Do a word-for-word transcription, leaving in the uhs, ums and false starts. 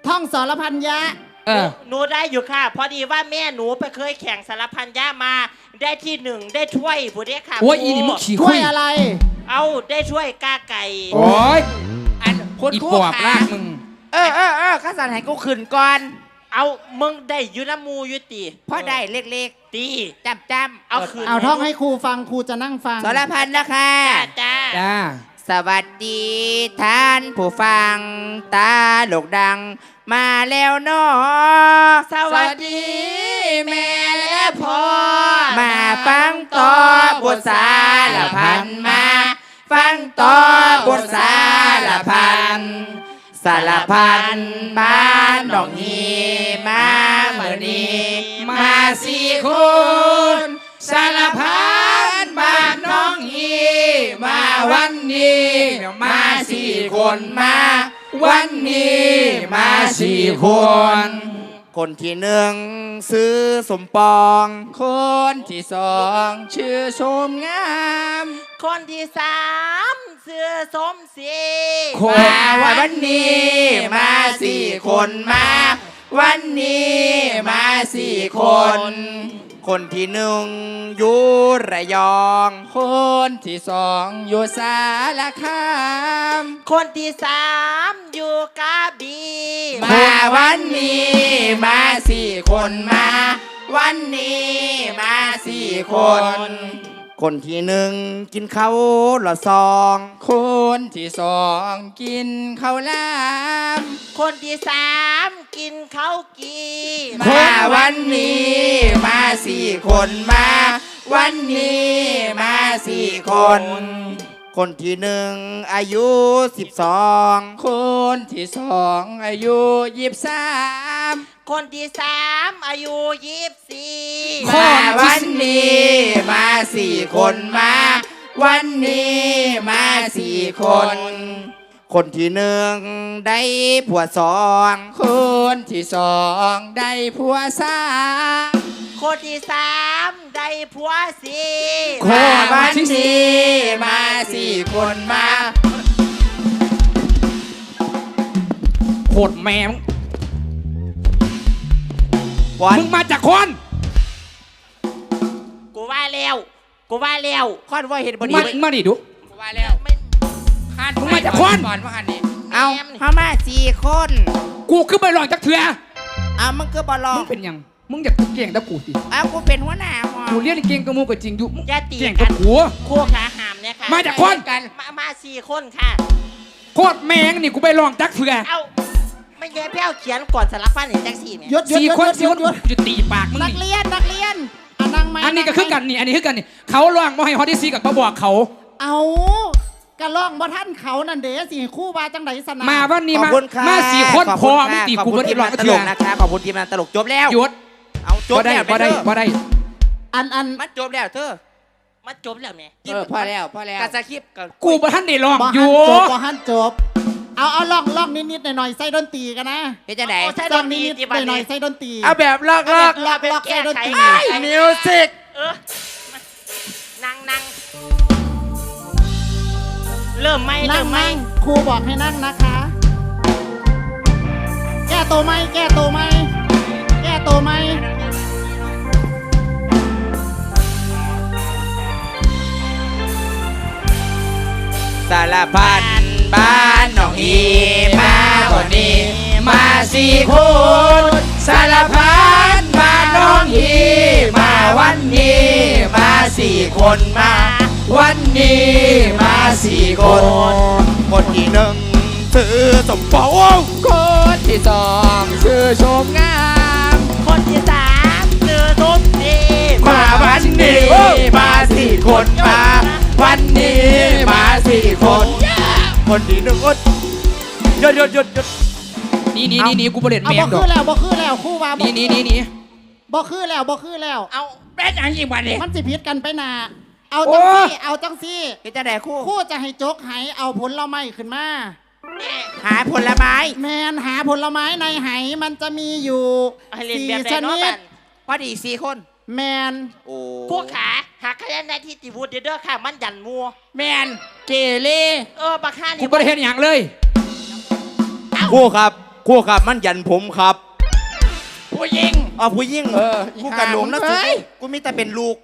ท่องสรพันยะเออหนูได้อยู่ค่ะพอดีว่าแม่หนูไปเคยแข่งสารพันยะมาได้ที่หนึ่งได้ถ้วยผู้เด็กค่ะโอ้ยอีนี่มึงขี้ช่คุวยยอะไรเอาได้ถ้วยกาไก่โอ้ยอันคนอีคู่ปอบขาลากมึงเออเออเออข้าสันให้กูขึ้นก่อนเอามึงได้อยูน้ำมูอยุติเพราะได้เล็กตีๆจำจำเอาคืนเอาท่องให้ครูฟังครูจะนั่งฟังสรพันนะคะจ้าจ้าจ้าสวัสดีท่านผู้ฟังตาโลกดัง มาแล้วเนาะสวัสดีแม่และพ่อมาฟังต่อบทสารพันมา ฟังต่อบทสารพันสารพันบ้านดอกฮีมาเมื่อนี้มาสี่คนสารพันบ้านน้องฮีมาวันนี้มาสี่คนมาวันนี้มาสี่คน คนที่หนึ่งซื้อสมปอง คนที่สองชื่อชมงามคนที่สามเสื้อสมศรีมาวันนี้มาสี่คนมา วันนี้มาสี่คน คนที่หนึ่งอยู่ระยอง คนที่สองอยู่สารคามคนที่สามอยู่กระบี่มาวันนี้มาสี่คนมา วันนี้มาสี่คน คนที่หนึ่งกินข้าวละซอง คนที่สองกินข้าวลามคนที่สามกินข้าวกีมาวันนี้มาสี่คนมา วันนี้มาสี่คน คนที่หนึ่งอายุสิบสองคนที่สองอายุยี่สิบสามคนที่สามอายุยี่สิบสี่มาวันนี้มาสี่คนมา วันนี้มาสี่คน คนที่หนึ่งได้ผัวสองคนที่สองได้ผัวสามคนที่สามได้ผัวสี่มาวันนี้มาสี่คนมาโคตรแม่งวันมึงมาจากคนกูว่าแล้วกูว่าแล้วค่อนว่าเห็นพอดีมามาดิดูกูว่าแล้วไม่มึงมาจากคนก่อนว่าอันนี้เอาเข้ามาสี่คนกูคือไปลองจากเถื่อเอามึงคือบอลลอมึงงเป็นหยังมึงอยากเก่งกับกูสิเอากูเป็นหัวหน้าหอกูเรียนเก่งกับมูก็จริงอยู่มึงอย่าตีเก่งกักัน บกูคู่ขาหามเนี่ยค่ะมาจากคนกันมามาสี่คนค่ะโคตรแม่งนี่กูไปลองจากเถื่อเอาไม่แย่เพี้ยวเขียนก่อนสารพันเห็นจังสี่เนี่ยหยุดหยุดสี่หยุดคนหสี่ยุคดนหยุดกูจะตีปากมึงนักนี่เรียนนักเรียนอ่ะนั่งไหมอันนี้ก็คือกันนี่อันนี้คือกันนี่เขาล่างมอให้ฮอตที่ซีกับเขาบอกเขาเอากระล่องบ่ท่านเขานั่นเด้สิครู่บาจังไดสนามาวันนี้ขอบมาคุณค่ะมาสี่คนขอบพคุอณมึงค่ะตีขอบกูคุไม่ณได้ทีมลองงานตเถื่ลอกนะคะขอบคุณทีมงานตลกจบแล้วหยุดเอาจบบ่ได้แล้วบ่ได้เด้อบ่ได้อันอันมันจบแล้วเธอมาจบแล้วเนี่ยเออพอแล้วพอแล้วกระสคริปต์กับกูบ่ทันได้ลองบ่อหัยู่นจบบ่หันจบ เอาเอาล่องล่องนิดๆหน่อยๆใส่ดนตรีกันนะเฮ็ดจังได๋โอ้ใช่ล่องนิดๆหน่อยๆใส่ดนตรีเอาแบบลอกลอกลอกลอกใส่ดนตรีมิวสิกเออนั่งนั่งเริ่มไหมนั่เริ่งมไหมนั่งครูบอกให้นั่งนะคะ แก้ตัวไหมแก้ตัวไหมแก้ตัวไหมสารพันบ้านหนองอีมาวันนี้มาสี่คนสารพันบ้านหนองอีมาวันนี้มาสี่คนมา วันนี้มาสี่คน คนที่หนึ่งชื่อสมปองคนที่สองชื่อชมงามคนที่สามเจอสมศรีมาวันนี้มาสี่คนมา วันนี้มาสี่คน คนที่หนึ่งอดหยุดหยุดหยุดหยุดนี่นี่นี่นี่กูบ่เล่นเอาแม่บ่งดอคืกอแล้วบ่คือแล้วครู่บาบ่นี่นี่นี่นี่บ่คือแล้วบ่คือแล้วเอาเป็นอย่างอีกวันนี้มันสิพิษกันไปหนาเอาจังซี่เอาจังซี่ก็จะได้คู่ครู่จะให้จกไหเอาผลไม้ขึ้นมาหาผลไม้แมนหาผลไม้ในไหมันจะมีอยู่ให้เล่นสี่แบบไหนชเนาะนิบัดนพอดีสี่คนแมนโอ้พวกขาหากคะแนนได้ที่ติวูดเด้อค่ะ มันยันมัวแมนเกเรเออบักห้ากูนี่บ่ได้เห็นอย่างเลยคู่ครับครู่ครับมันยันผมครับผู้หญิงอ๋อผู้ยิ่งเออกูกระหลงนะเฮ้ยกูมีแต่เป็นลูก